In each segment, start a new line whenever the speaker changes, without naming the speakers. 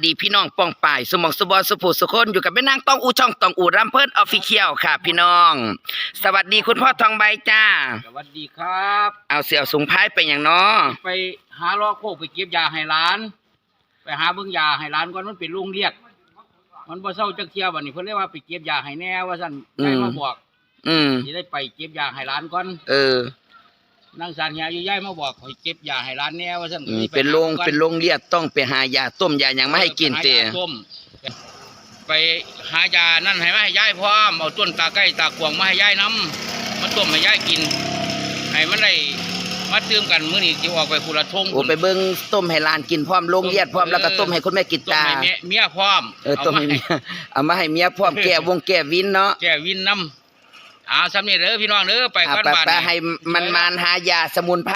ดีพี่น้องป้องป่ายสมองสุบอสุภูสุคนอยู่กับแม่นางต้องอูช่องต้องอูรำเพิ่นออฟฟิเชียลค่ะพี่น้อง สวัสดีคุณพ่อทองใบจ้า
สวัสดีครับ
เอาเสี่ยวสูงพายไปอย่างน้อ
ไปหาล้อโคกไปเก็บยาให้ร้าน ไปหาเบิ่งยาให้ร้านก่อนมันเป็นโรงเรียกมันบ่เซาจักเที่ยบัดนี้เพิ่นเลยว่าไปเก็บยาให้แน่ว่าซั่นได้มาบอกสิได้ไปเก็บยาให้ร้านก่อนนางสารยาอยู่ย้ายมาบอกให้เก็บยาให้ร้านแน่ว่าซั่น
เป็นโรงเรียกต้องไปหายาต้มยาหยังมาให้กินเตะ
ไปหายานั่นให้มาให้ยายพร้อมเอาต้นตาไก่ตากวางมาให้ยายนำมาต้มให้ยายกินให้มันได้มาตื่มกันมื้อนี้สิออกไปคุละทง
โอ้ไปเบิ่งต้มให้หลานกินพร้อมโรงเรียนพร้อมแล้วก็ต้มให้คุณแม่กินตา
ต้มให้เมียพร้อม
ต้มให้เมียเอามาให้เมียพร้อมแก้วงแก้วินเนาะ
แก้วินนำซ้ำนี่เด้อพี่น้องเด้อไปก่อนบ้าน
ไปให้มันหายาสมุนไพร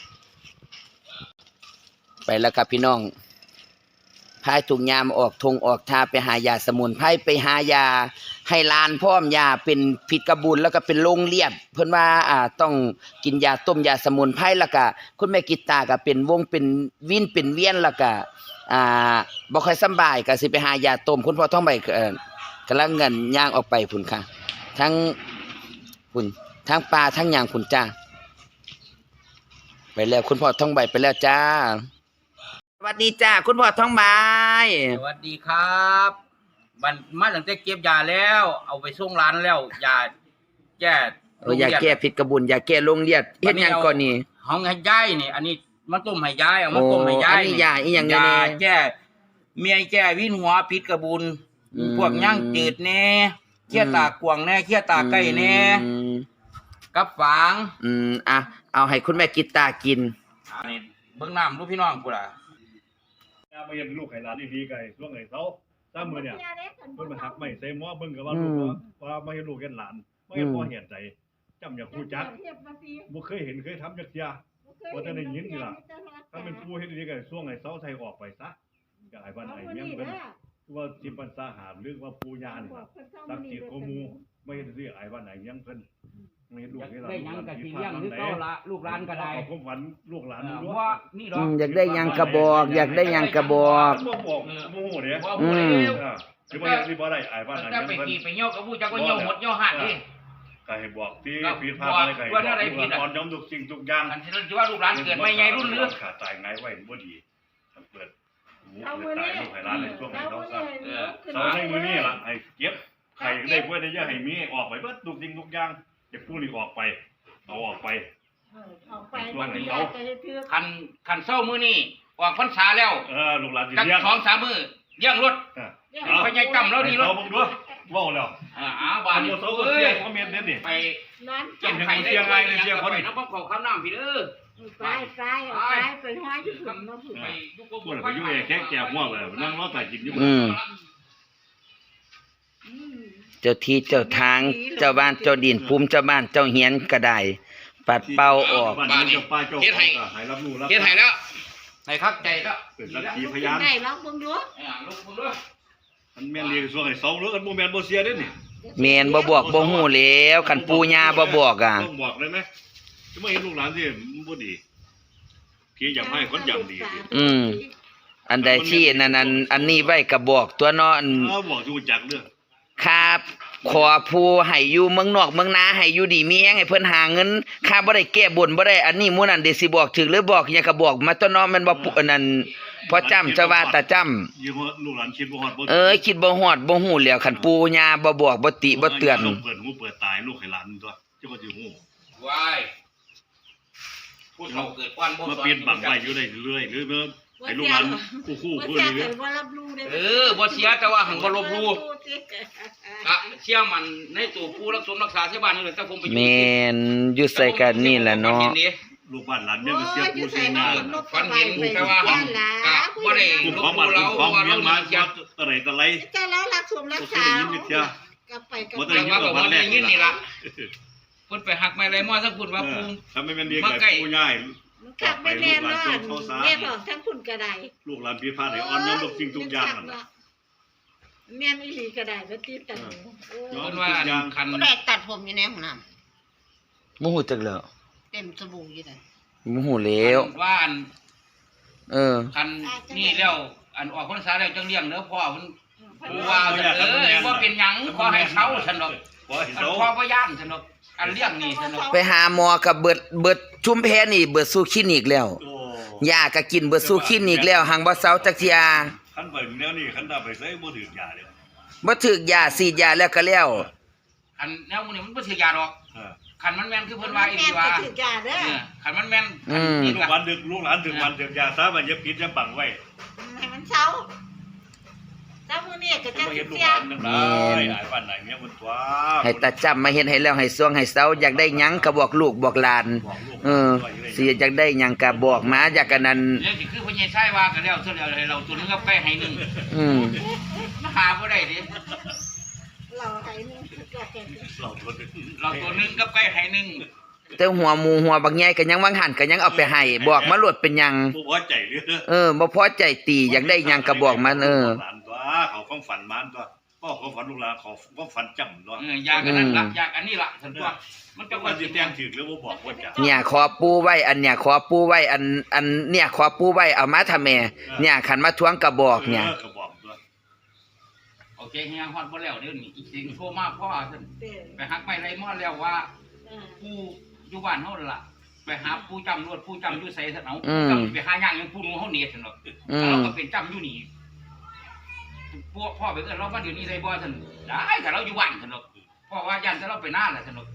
ไปแล้วครับพี่น้องพายถุงยามออกทงออกทาไปหายาสมุนไพรไปหายาให้ลานพร้อมยาเป็นผิดกระบุนแล้วก็เป็นโรงเรียบเพิ่นว่าต้องกินยาต้มยาสมุนไพรแล้วก็คุณแม่กิตตาก็เป็นวงเป็นวินเป็นเวียนแล้วก็บ่ค่อยสบายก็สิไปหายาต้มคุณพ่อท้องใบกำลังเงินย่างออกไปพุ่นค่ะทั้งพุ่นทั้งปลาทั้งหยังพุ่นจ้าไปแล้วคุณพ่อท้องใบไปแล้วจ้าสวัสดีจ้าคุณพ่อท้องใบ
สวัสดีครับมันมาตั้งแต่เก็บยาแล้วเอาไปส่งร้านแล้วยาแก้
ยาแก้ผิดกระบุนยาแก้โรงเรียนเฮ็ดหยังก่อนนี่
ห้องให้ยายนี่อันนี้มาต้มให้ยายเอามาต้มให้ยาย
อันนี้ยาอีหยัง
ยาแก้เมียแก้วินหัวผิดกระบุนพวกย่างจืดแน่เคี้ยตากวางแน่เคี้ยตาไก่แน่กับฝาง
เอาให้คุณแม่กิตตากิน
นี่เบิ่งน้ำลูกพี่น้องกูล่ะ
มาเห็นลูกไข่หลานดีๆไก่ช่วงไหนเสาตามมือเนี่ยเพิ่นมาหักไม่เซมว่าเบิ่งกับว่าลูกว่ามาเห็นลูกเห็นหลานไม่เห็นพ่อเห็นใจจำอย่างครูจักบ่เคยเห็นเคยทำจักเที่ยบ่ทันได้ยินนี่ล่ะถ้าเป็นผู้เฮ็ดดีๆไก่ช่วงไหนเสาไทยออกไปซะก็ไอ้บ้านไอ้เมียงเพิ่นว่าสิปันสาหารหรือว่าปู่ย่านี่สักจิตโกมูไม่เห็นสิไอ้บ้านไอ้เมียงเพิ่นไม่เห็นลูกเห็นหลาน
ได้ยังก็สิเลี้ยงคือเก่าละลูกหลานก็ได้
ผมฝันลูกหลาน
เพราะว่านี่ดอก
อยากได้ยังกระบอกอยากได้ยังกระบอก
บ่บอกโมโหเด้คือบ่ยังสิบ่ได้ไอ้บ้านไอ้เมียงเพิ่น
ไปเหี่ยวกับผู้จักว่าเหี่ยวหมดเหี่ยวหักนี่
ก็ให้บอกที่ผิดพลาดอะไรก็ให้บอกตอนย้อมทุกสิ่งทุกอย่าง
อันที่ว่าลูกหลานเกิดไม่ไงรุ่นหรือ
ขาดตายไงไว้บ่ดีเปิดหูตายลูกให้ร้านในช่วงนี้เขาซะเสาในมือนี่ล่ะให้เก็บใครได้เพื่อได้เยอะให้มีออกไปเบิดทุกสิ่งทุกอย่างจะพูดนี่ออกไปเอาออกไป
วันนี้คันเศร้ามือนี่ออกพรรษาแล้ว
ลูกหลานสิ
เลี้ยง2-3 มื้อเลี้ยงรถไปใหญ่จำแล้วนี่รถ
เอาบ่ดูว้าวแล้ว
บ้านนี่
เอ้ยคอมเมนต์เด็ดนี่
ไปเก็บไข่ได้เชียงรายในเชียงคนนี่น้ำข้าวข้าวน้ำพี่เด้อ
ไปห้อยอยู่ถึงมาถึง
ไปยุกบ่ไปยุ่งแค่แก่ห่วงเลยนั่งรอใส่กินอยู่
เจ้าที่เจ้าทางเจ้าบ้านเจ้าดินภูมิเจ้าบ้านเจ้าเฮียนก็ได้ปัดเป่าออก
บ้านนี้เฮ็ดให้รับรู้รับ
เฮ็ดให้แล้วให้คักใจแล้ว
เป็นสักขีพยาน
ได้แล้วเบิ่งดู
ลูกเบิ่งดู
มันแม่นเรียกช่วงให้2หรืออันบ่แม่นบ่เสียเด้นี่
แม่นบ่บอกบ่ฮู้แล้วคันปู่ย่าบ่บอก
ต้องบอกได้มั้ยจะมาเห็นลูกหลานสิบ่ดีพี่อยากให้คนอย่างดี
อันใดที่นั่นอันนี้ไว้ก็บอกตัวเนาะ
บอกอยู่จักเด้อ
ครับขอผู้ให้อยู่เมืองนอกเมืองนาให้อยู่ดีมีแฮงให้เพิ่นหาเงินค่าบ่ได้แก้บนบ่ได้อันนี้มื้อนั้นได้สิบอกถึกหรือบอกหยังก็บอกมาตัวเนาะมันบ่อันนั้นพอจำจะว่าตาจำ
ลูกหลานคิดบ่ฮอด
บ่คิดบ่ฮอดบ่ฮู้แล้วคันปู่ย่าบ่บอกบ่ติบ่เตือน
เปิดหูเปิดตายลูกให้หลานตัวเจ้าก็สิฮู้
ว้ายผู้เฒ่าเกิดก่อนบ่
มาเปลี่ยนบังไว้อยู่ได้เรื่อยหรือให้ลูกหลานคู่พูดนี่
บ่เสียแต่ว่าหังบ่ลบลู่เชื่อมันในตัวผู้รักสมรักษาชาวบ้านนี่แต่ผมไปอยู่
แม่นอยู่ใส่กันนี่แหละเนาะ
ลูกบ้านหลานเนี่ยก็เสียผู้เสียงาน
ฝันเห็นแต่ว่าหังก็บ่ได้ลบลู่เราว่าเรา
มาอะไรต่ออะไร
แต่เรารักสมรักษาก็ไปกัน
บ่ได้ยินนี่ล่ะเพิ่นไปหักไม้ไรม้อสักพุ่นว่าปู
ถ้าไม่แม่นดีก็ผู้ใหญ่
กลับไปแม่นอนแม่บอกทั้งคุณกระได
ลูกหลานพี่พาให้อ่อนยอมทุกสิ่งทุกอย่าง
แม่นอีหลีกระไดบ่ติดตัน
ย้อนว่าคัน
แรกตัดผมอยู่ในห้องน้
ำบ่ฮู้จักแล้ว
เต็มสบู่อยู่ได้
บ่ฮู้แล้ว
ว่าคันนี่แล้วอันออกพรรษาแล้วจังเลี้ยงเด้อพ่อเพิ่นผู้ว่าซั่นบ่เป็นหยังขอให้เซาซั่นดอก
บ่ให้
อัน
เซา
พ่อบ่ย่านซั่นดอกอันเลี้ยงนี่ซั่นดอก
ไปหาหมอกับเบิดชุมแพนี่เบิดสู่คลินิกแล้ว
โอ้
ยาก็กินเบิดสู่คลินิกแล้วหังบ่เซาจักเที่ย
คันไปแนวนี้คันถ้าไปใส่บ่ถึกยาเด้อ
บ่ถึกยาฉีดยาแล้วก็แล้ว
อันแนวมื้อนี้มันบ่ถือยาดอก
เออ
คันมันแม่นคือเพิ่นว่าอีหลี
ว่า
ว่า
ถือยาเด้อ
คันมันแม่น
ลูกหลานดึกลูกหลานถึงวันถึงยาซะมันอย่าปิดอย่าบังไว้
ให้มันเช้าเช้ามื้อนี้ก็จะ
บ่เห็นลูก
เสี
ห
ย
ลานนำได้หลายวันไหนเมียมันตัว
ให้ตาจำมาเฮ็ดให้แล้วให้สวงให้เซาอยากได้หยังก็บอกลูกบอกหลาน
บอกลูก
สิอยากได้หยังก็บอกมาอยากกันนั้น
เรื่องสิคือพ่อใหญ่ชายว่าก็แล้วซะแล้วให้เราตัวนึงกับไก่ให้นึง
อืม
มาหาบ่ได้ดิ
เราให้นึงเราแก่
เราทน
เราตัวนึงกับไก่ให้นึง
แต่หัวหมูหัวบักใหญ่ก็ยังวางหันก็ยังเอาไปให้บอกมาโลดเป็นหยัง
บ่พอใจเด้อ
บ่พอใจตีอยากได้หยังก็บอกมัน
หลานตัวเขาความฝันมันตัวพ่อความฝันลูกหลานเขาความฝันจำตัว
อยากอันนั้นละอยากอันนี้ละซั่นตัวมัน
จั
จะ
ง
ว่า
ว่า
สิ
สิ
แต
แต่
ง
งถึกหรือบ่บอกว่าจะ
เนี่ยขอปูไว้อันเนี่ยขอปูไว้อันเนี่ยขอปูไว้เอามาทำแม่เนี่ยขันมาทวงกระบอกเนี่ย
ก็บอกตัว
โอเคเฮียฮอดบ่แล้วเดี๋ยวนี้อีกสิ่งโทรมาพ่อซั่น
เด้อ
ไปหักไปไรมาแล้วว่าผู้อยู่บ้านเฮาล่ะไปหาผู้จำรวดผู้จำอยู่ไสซั่นเอาจำไปหาย่างยังผู้หนูเฮาเนียดซั่นดอกเราก็เป็นจำอยู่นี่พวกพ่อไปเอิ้นเรามาเดี๋ยวนี้ได้บ่ซั่นได้ถ้าเราอยู่บ้านซั่นดอกพ่อว่าย่านถ้าเราไปนาแหละซั่นดอก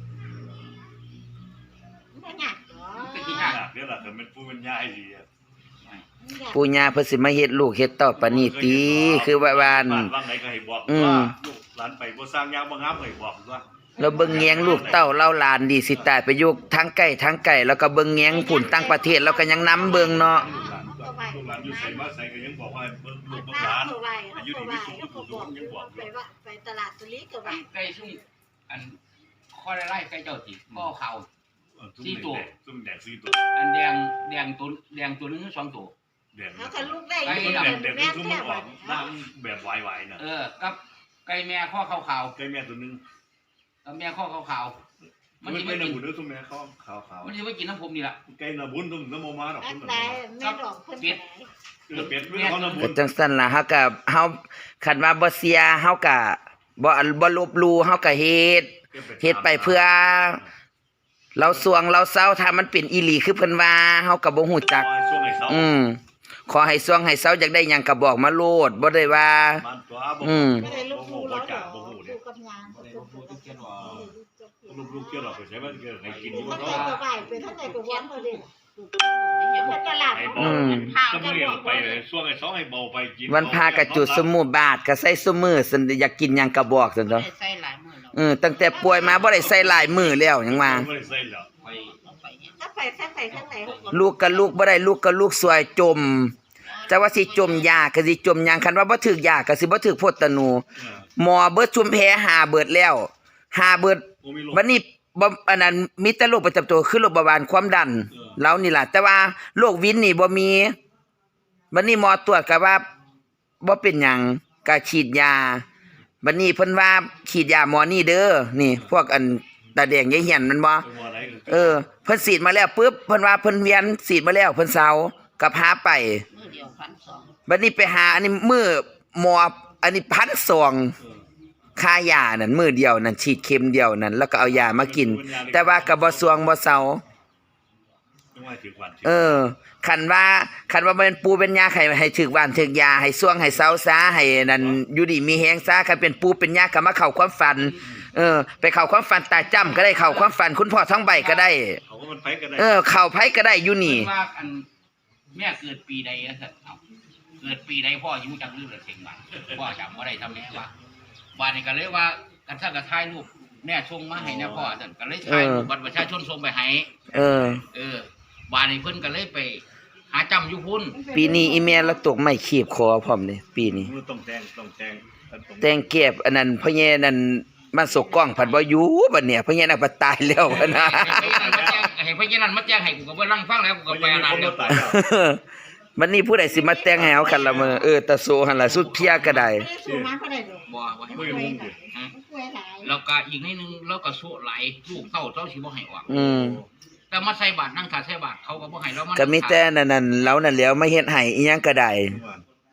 บ่ยากหรอ
เป็นที่ยาก
เดี๋ยวล่ะแต่มันผู้เป็นยายดี
ปู่ย่าเพิ่นสิมาเฮ็ดลูกเฮ็ดเต้าปานนี้ติคือว่า
บ้านว่างไหนก็ให้บอกว่าลูกหลานไปบ่สร้างยางบ่งามให้บอกว่า
เราเบิ่งแยงลูกเต้าเล่าหลานดีสิตายไปอยู่ทั้งไกลแล้วก็เบิ่งแยงผุ่นต่างประเทศแล้วก็ยังนำเบิ่งเนาะ
ลูกหลานอยู่ใส่มาใส่ก็ยังบอกว่าเบิ่งลูกเบิ่งหลานอายุดีมีสุขทุกคนยังบอก
ไปว่าไปตลาดตุลีก็ว่า
ไก่ซุ่มอันข้อไล่ไก่เจ้าติข้อเข่า
ซุ่มแดง4ตัว
อันแดงตัวนึง2ตัว
แดง
แล้วก็ลูกได้
แดงซุ่มออกหน้าแบบวายๆน่ะ
กับไก่แม่ข้อขาว
ไก่แม่ตัวนึง
ๆกับแม่ข้อขาวๆมัน
มัน
สิ
ไม่
ไม่
น่า
กิน
บุญเด้อซุ่มแม่เขาขาว
มันสิไม่กินน้ำผมนี่ล่ะ
ๆไก่น่ะบุญซุ่มน้ำมมาดอก
อั
ซุ่
น
ม
ใดแม่ดอกเพิ่นไป
เป็ดเรื่องเขาน่ะบุ
ก็
ญ
จังซั่นล่ะเฮาก็เฮาคันว่าบ่เสียเฮาก็บ่ลบหลู่เฮาก็เฮ็ดไปเพื่อ เราสวงเราเศร้าถ้ามันเป็นอีหลีคือเพิ่นว่าเฮาก็บ่ฮู้จัก
ช่วงไอ้เสา
ขอให้สวงให้เศร้าอยากได้หยังก็บอกมาโลดบ่ได้ว่า
มันตัวบ่
ไม่ได้ลูกคู่แล้วหรอลูกกับงาน
ลูกเกี่ยวหรอกใช่ไหมเกี่ยวให้กินอยู่
มัน
เนาะ
ไปก็ไปไปทั้งไหนก็วนเขาดิมันตลาด
ให้เบาก็ไม่เรียกไปช่วงไอ้2ให้เบาไปกิน
วันพากระจุดสมุบาทก็ใส่ซุมื้อซั่นอยากกินหยังก็บอกซั่นเนาะ
ใส่หลายมื้อแล้ว
ตั้งแต่ป่วยมาบ่ได้ใส่หลายมื้อแล้วหยังว่า
ไม่ได้ใส่แล้ว
ถ้าไปทั้งไหน
ลูกกับลูกบ่ได้ลูกกับลูกสวยจมแต่ว่าสิจมยาก็สิจมหยังคันว่าบ่ถึกยาก็สิบ่ถึกโพดตะนูหมอเบิดชุมแพหาเบิดแล้วหาเบิดบัดนี้บ่อันนั้นมีแต่โรคประจำตัวคือโรคเบาหวานความดันแล้วนี่ล่ะแต่ว่าโรควินนี่บ่มีบัดนี้หมอตรวจก็ว่าบ่เป็นหยังก็ฉีดยาบัดนี้เพิ่นว่าฉีดยาหมอนี่เด้อนี่พวกอันตาแดงยายเหียนมันบ่เพิ่นฉีดมาแล้วปึ๊บเพิ่นว่าเพิ่นเวียนฉีดมาแล้วเพิ่นเซาก็พาไป
มื้อเดียว1,200
บัดนี้ไปหาอันนี้มื้อหมออันนี้1,200ค่ายานั่นมื้อเดียวนั่นฉีดเข็มเดียวนั่นแล้วก็เอายามากิน แต่ว่าก็บ่สวงบ่เซาคันว่ามันปูเป็นยาให้ถึกหวานถึกยาให้สวงให้เซาซาให้นั่นอยู่ดีมีแฮงซาคันเป็นปูเป็นยาก็มาเข้าความฝันไปเข้าความฝันตาจ้ำก็ได้เข้าความฝันคุณพ่อท้องใบก็ได้
เขาก็มันไปก็ได้
เข้าไผก็ได้อยู่นี่
ว่าอันแม่เกิดปีใดอะสัตว์เอาเกิดปีใดพ่ออยู่จักลืมเลยเสียงบ้านพ่อจำว่าได้ทำแม่ว่าบ้านนี่ก็เลยว่ากันถ้าก็ถ่ายรูปแม่ส่งมาให้นะพ่อสัตว์ก็เลยถ่ายรูปบัตรประชาชนส่งไปให้บ้านนี่เพิ่นก็เลยไปหาจำอยู่พุ่น
ปีนี้อีแม่เราตกไม้ขีบคอพร้อมเด้ปีนี้
ต้อง
แต่งเก็บอันนั้นพ่อแย่นั่นมันสกกล้องผัดบ่อยู่บัดเนี่ยพ่อแย่น่ะบ่ตายแล้วบัดนะ
ให้พ่อยันมาแจ้งให้กูก็บ่นั่งฟังแล้วกูก็ไปอ่านแล้ว
บัดนี้ผู้ใดสิมาแต่งให้เฮาคันละมื้อตะโซหั่นล่ะสุดเพียก็ได้
ไม่ได้สูงมาก็ได้ดอก
บ่ว่าให้
ไม่รู้ดิ
ป่วยหลาย
แล้วก็อีกนิดนึงแล้วก็สู้ไหลลูกเต้าเจ้าสิบ่ให้ออก แต่มาใส่บาตรนั่งขาใส่บาตรเขาก็บ่ให้แล้วมัน
ก็มีแต่นั่นเรานั่นแหล้วมาเฮ็ดให้อีหยังก็ได้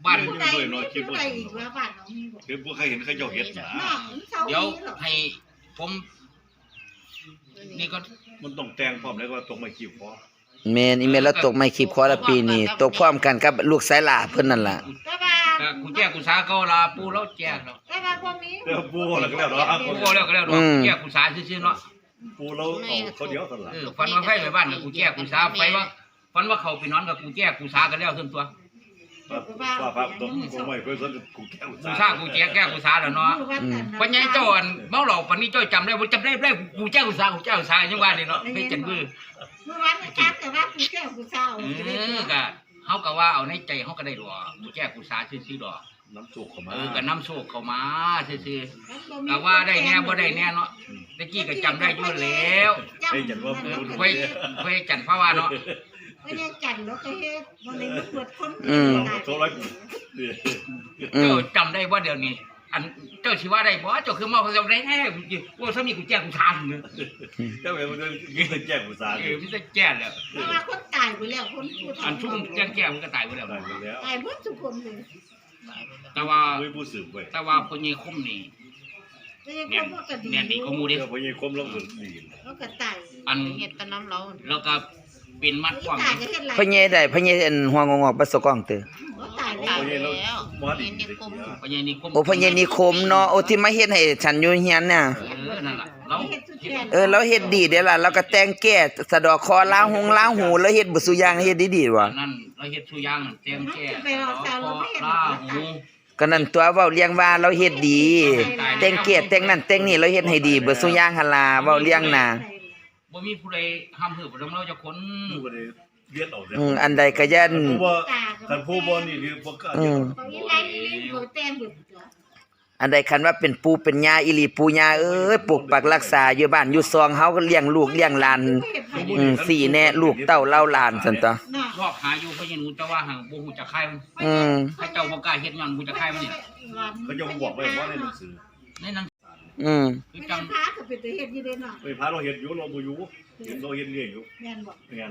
บ้าน
ผู้ใดมีผู้ใดอีกว่าบ้านเรามีบ่
คือบ่เคยเห็นเขาเจ้าเฮ็ดนะ
น้องเสา
เดี๋ยว
หรอ
ให้ผมนี่ก็
มันต้องแต่งพร้อมแล้วก็ตรงไม้ขีบคอ
แม่นอีเมลแล้วตกไม่ขีบคอละปีนี้ตกพร้อมกันกับลูกสายหลาเพิ่นนั่นล่ะ
แต่ว่า
ก็กูแจ้กูสาเก่าลาปูแล้วแจ้แล้ว
แต่ว่าบ่มี
แล้วปูแล้วก็แล้วเนาะ
ปูบ่แล้วก็แล้วดอกกูแจ้กูสาซื่อๆเนาะ
ปูเราเอาเขาเดียวสั่นล่ะ
ฝันว่าไฟไปบ้านกับกูแจ้กูสาไฟว่าฝันว่าเขาไปนอนกับกูแจ้กูสากันแล้วซั่นตัว
ว่าพระตรงไม้เพิ่นสนกูแก้ว
กูสากูแจ้กูสาแล้วเนาะปัญญาเจ้าอันเมาเหล้าปานนี้เจ้าจำได้บ่จำได้กูแจ้กูสาจังว่านี่เนาะเฮ็ดจังบื้อ
เมื่อวานจักแต่ว่าผู้แก้วผู้เศร้า
ก็เฮาก็ว่าเอาในใจเฮาก็ได้ดอกกูแจ้กูสาซื่อๆดอก
น้ำสุกเข้ามา
ก็นำโชคเข้ามาซื่อๆก็ว่าได้แน่บ่ได้แน่เนาะตะกี้ก็จำได้อยู่แล้ว
ได้จันว่าปู
ไว้จันทร์ภาวะเนาะ
ไม่ได้จันแล้วก็เฮ็ดบ่ได้มาตรวจคน
โซร้อยนี่
อืม
เจ้าจำได้ว่าเดี๋ยวนี้ อันเจ้าสิว่าได้บ่เจ้าคือมาเขาจำได้แท้ว่าสามีกูแจ้งกูทานเนอะ
เจ้าเอ๋มันจะแจ้งกูสาร
มันจะแจ้แล้ว
เพราะว่าคนตายไปแล้วคนผู้
อันชุ่มแจ้งมันก็ตายไปแล้ว
ได้ไปแล้ว
ตายหมดทุกคนเลย
แต่ว่า
ด้วยผู้สืบเว้ย
แต่ว่าคนยี่คมนี่
แต่ยังคนก็ดี
แม่นดีก็มู
เดี๋
เด้
ยวพอยังคมแล้วก็ดี
แล้วก็ตาย
อัน
เห็ดแตะน้ำเรา
แล้วก็เป็นมัดความ
ตายก็เฮ็ดไร
พ่อใหญ่ได้พ่อใหญ่อันหัวงอกๆประสกองเตอ
ตาย
ตาย
แล้ว
แล้ว
มาดี
เห็นในกลม
คนยี่นี่คม
โอ้พ่อใหญ่นิคมเนาะโอ้ที่มาเฮ็ดให้ฉันอยู่เฮียนน่ะ
นั่นล่ะเรา
เฮ็ดสุดแขน
เราเฮ็ดดีเด้ล่ะเราก็แต่งแก้สะดอกคอล้างหูแล้วเฮ็ดบ่ซุอย่างเฮ็ดดีๆว่ะ
นั่นเราเฮ็ดสุยางเตรียมแก้
ไปเอาซาเราไม่เห็น
ลาหู
ก็นั่นตัวเว้าเลี้ยงว่าเราเฮ็ดดี แต่งแก้แต่งนั่นแต่งนี่เราเฮ็ดให้ดีเบิดซุอย่างหั่นล่ะเว้าเลี้ยงน่ะ
บ่มีผู้ใดห้ามหือบ่เราจะคน
ผู้ก็ได้เลียดออกแล้ว
อันใดก็ยัน
ผู้ว่าคันผู้บ่นี่คือบ่กล้าเลียดออก
ตรงนี้ไรนี่บ่แต้มบ่
อันใดคันว่าเป็นปู่เป็นย่าอีหลีปู่ย่าเอ้ยปกปักรักษาอยู่บ้านอยู่ซองเฮาก็เลี้ยงลูกเลี้ยงหลานสี่แน่ลูกเต้าเล่าหลานซั่นตอ
รอบหาอยู่เพราะยังรู้แต่ว่าห่างบ่ฮู้จักใครมัน ให้เจ้าบ่กล้าเฮ็ดย้อนบ่จักใครมันนี่
เขาจะบอกไว้ว่าในหนังสือ
ในหนัง
ไม่ได้พาก็เป็นตัวเฮ็ดอยู่เด้เนาะ
ไปพาเราเห็นอยู่เราบ่อยู่เห็นเราเห็นเรื่อยอยู่
แม่นบ่
งาน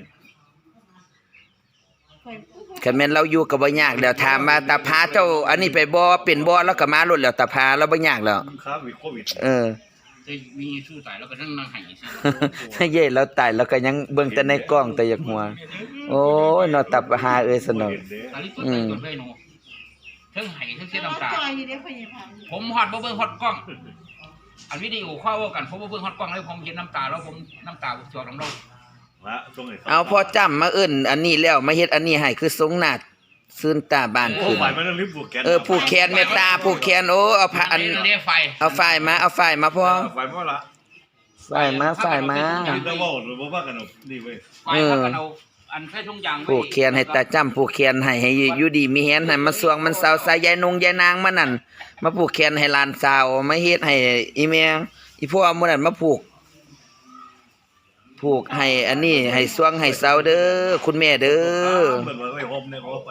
คันแม่นเราอยู่ก็บ่ยากแล้วถามว่าตาพาเจ้าอันนี้ไปบ่เป็นบ่แล้วก็มาโลดแล้วตาพาเราบ่ยากแล้ว
ค้าวิดโควิด
จะมีสู้ตายแล้วก็นั่งให้ซื่อ
เย่เราตายแล้วก็ยังเบิ่งแต่ในกล้องแต่อยากหัว โอ้ยเนาะตับหาเอ้ยสนอง
ตาลิตุ้ยจนได้หนูเทั้งให้เทั้งเสียน้ำตา
จอยอยู่เด้พ่อใหญ่พัน
ผมฮอดบ่เบิ่งฮอดกล้อง อันวิดีโอเข้ากันผมบ่เบิ่งฮอดกล้องเลยผมเห็นน้ำตาแล้วผมน้ำตาจอกน้ำเรา
ละตรงไหน
เอาพอจำมาเอิ้นอันนี้แล้วมาเฮ็ดอันนี้ให้คือสงหน้าซื่นตาบ้าน
โอ้
ขึ้น
ฝ่ายมันรีบผูกแขน
ผู้แขนเมตตาผู้แขนโอ้เอาผ้าอัน
เด้ไฟ
เอาฝ่ายมาพ่อ
ฝ่ายมาละ
ฝ่ายมา
นี่ต้องว่าหรือว่ากันนี่เว้ย
ไฟพักกันเอาอันใส่ถุงยางไว้
ผู้แขนให้ตาจำผู้แขนให้อยู่ดีมีแฮนให้มันสวงมันเศร้าสายยายนงยายนางมานั่นมาผูกแขนให้หลานสาวมาเฮ็ดให้อีแม่อีพ่อมื้อนั้นมาผูกให้อันนี้ให้สวงให้เศร้าเด้อคุณแม่เด้อ
เหมือนว่าไว้ห่มเนี่ยเขาไป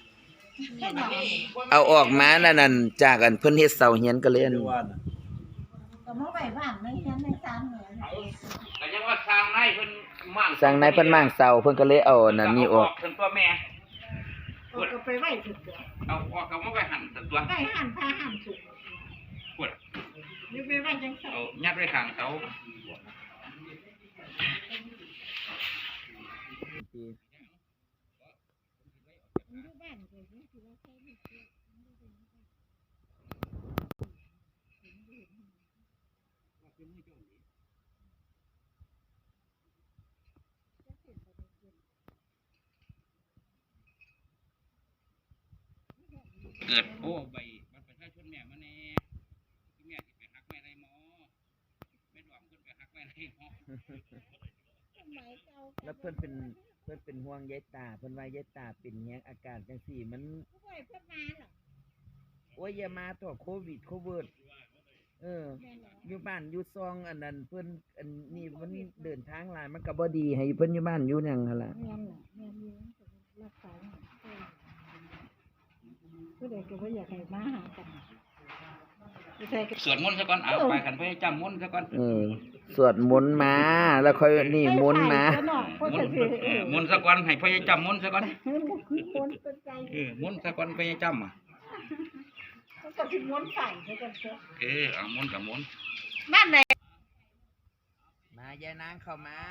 เอาออกมานั่นจากอันเพิ่นเฮ็ดเสาเฮียนก็เลยอัน
ว่าน่ะ
ก็มาไว้บ้านในนั้นในศาลเนี่ย
ก็ยังว่าสร้างนายเพิ่นมั่ง
สั่งนายเพิ่นมั่งเสาเพิ่นก็เลยเอานั่นนี่ออก
เพิ่นตัวแม่
ก็ไปไว้สุดเด้อ
เอาออกก็บ่ไปหั่นตัว
ไว้หันพาหันสุด
ปวด
นี่ไปไว้จังซั่น
เอายัดไว้ข้างเสา
อยู่บ้านก็ยังสิว่าใครมีเสื้อ
เกิดโอ้ใบบัตรประชาชนแม่มาแน่ที่แม่สิไปหักแม่ได้หมอแม่ดอมเพิ่นไปหักแม่ได้หมอ
แล้วเพิ่นเป็นห่วงยายตาเพิ่นว่ายายตาเป็นแฮงอาการจังซี่มัน
ผู้ใหญ่เพิ่นมาเหรอ
โอ้ยอย่ามาต่อโควิดอยู่บ้านอยู่ซองอันนั้นเพิ่นอันนี้มันเดินทางหลายมันก็บ่ดีให้เพิ่นอยู่บ้านอยู่หยังหั่นล่ะ
แม่นล่ะแม่นอยู่รักษาผู้ใดก็บ่อยากให้มาหากันผู้ใดก็
สวดมนต์ซะก่อนเอาไปกันไปจำมนต์ซะก่อน
สวดมนต์มาแล้วค่อยนี่มนต์มา
มนต์สักวันให้พ่อใหญ่จำมนต์สักวัน
คนสนใจ
มนต์สักวันพ่อใหญ่จำอ่ะ
มันก็สิม้วนใส่ให้กันเถอะ
เอามนต์กับมนต์
บ้านไหน
มายายนางเข้ามา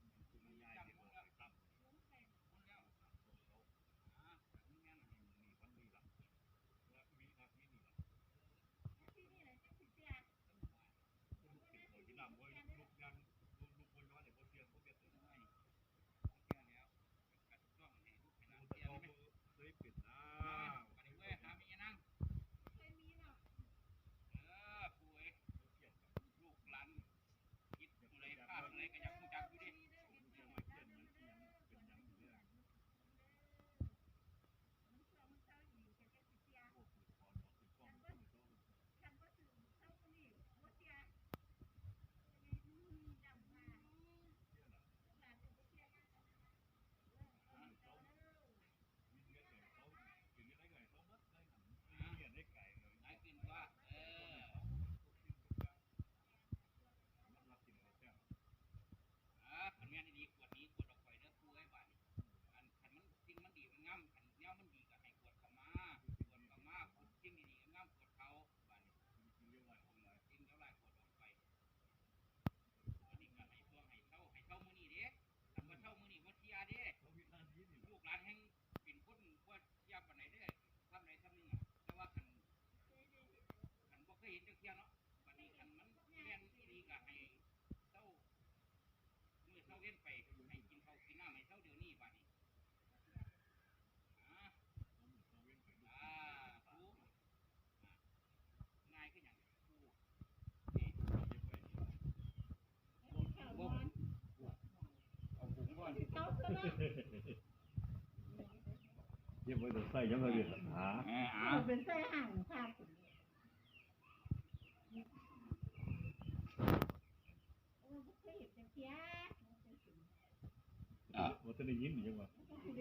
เยี่ยมไว้แต่ใส่ยังไงเรียนหา
เป็นไส้ห่างภาพ
ว่าจะได้ยินยังวะ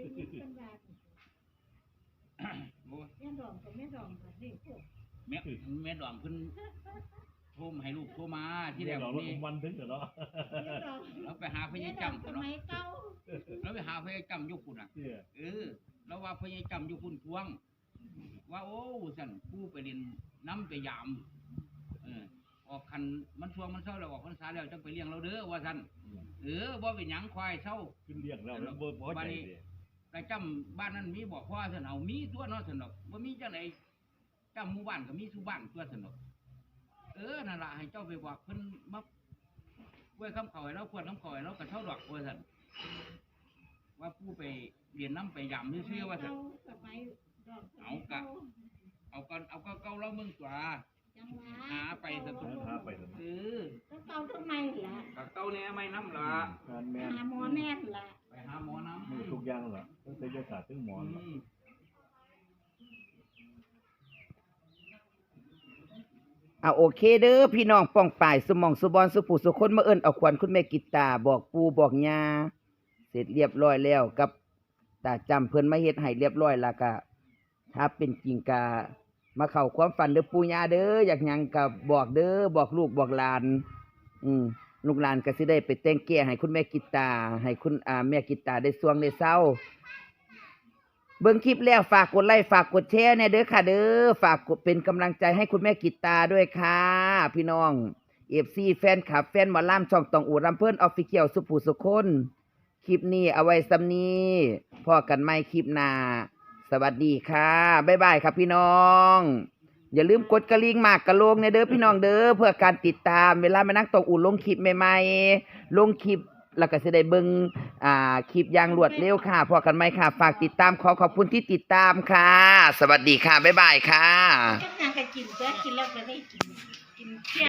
แม่ดองกับแม่ดองกับนี่พวก
แม่ดองขึ้นโทรมาให้ลูกโทรมาที่แรก
เรา
นี่
วันถึงเหรอ
เราไปหาพ่อใหญ่จำ
ส
กันเนาะ
มัยเก่า
เราไปหาพ่อใหญ่จำยุคุณอ่ะเราว่าพ่อใหญ่จำยุคุณทวงว่าโอ้สั่นผู้ไปเรียนน้ำไปยามออกคันมันทวงมันเศร้าแล้วออกพรรษาแล้วจังไปเลี้ยงเราเด้อว่าสั่นว่าเป็นหยังควายเศร้า
ขึ้นเรียกเราแล้วเบอร์พอใจ
แต่จำบ้านนั้นมีบอกพ่อสั่นเอามีตัวเนาะสั่นดอกว่ามีจังไหนจำหมู่บ้านก็มีสุบ้านตัวสั่นดอกนั่นล่ะให้เจ้าไปบอกเพิ่นมาไว้คำเขาให้เราควรคำเขาให้เรากระเท่าดอกว่าสั่นว่าผู้ไปเรียนน้ำไปยำซื่อๆว่าสั่น
สมัยดอก
เอาก็เก่าเราเมืองตัว
จังหวะ
หาไปสักคน
หาไปเถอะ
แล้วเก่าทำไมล่ะ
กับเก่าเนี่ยไม่น้ำละ
การแมน
หาหมอแน่นล่ะ
ไปหาหมอน้ำ
มือทุกอย่างเหรอตั้งแต่ยศาสตร์ถึงหมอน
โอเคเด้อพี่น้องป้องป่ายสมองสุบอนสุผู้สุคนมาเอิ้นเอาขวัญคุณแม่กิตตาบอกปู่บอกย่าเสร็จเรียบร้อยแล้วกับตาจำเพิ่นมาเฮ็ดให้เรียบร้อยแล้วก็ถ้าเป็นจริงก็มาเข้าความฝันเด้อปู่ย่าเด้ออยากหยังก็บอกเด้อบอกลูกบอกหลานลูกหลานก็สิได้ไปแต่งแก้ให้คุณแม่กิตตาให้คุณแม่กิตตาได้สวงได้เศร้าเบิ่งคลิปแล้วฝากกดไลค์ฝากกดแชร์เนี่ยเด้อค่ะเด้อฝากกดเป็นกำลังใจให้คุณแม่กิตตาด้วยค่ะพี่น้อง FC แฟนคลับแฟนหมอลำช่องตองอู่รำเพิ่นออฟฟิเชียลสุผู้สุคนคลิปนี้เอาไว้ซ้ำนี้พอกันใหม่คลิปหน้าสวัสดีค่ะบ๊ายบายครับพี่น้องอย่าลืมกดกระลิ่งมากกระโลงเนี่ยเด้อพี่น้องเด้อเพื่อการติดตามเวลามานั่งตองอู่ลงคลิปใหม่ๆลงคลิปแล้วก็สิได้เบิ่งคลิปอย่างรวดเร็วค่ะพอกันไหมค่ะฝากติดตามขอบคุณที่ติดตามค่ะสวัสดีค่ะบ๊ายบายค่ะ
ก็นางก็กินแล้วก็ได้กินเที่ย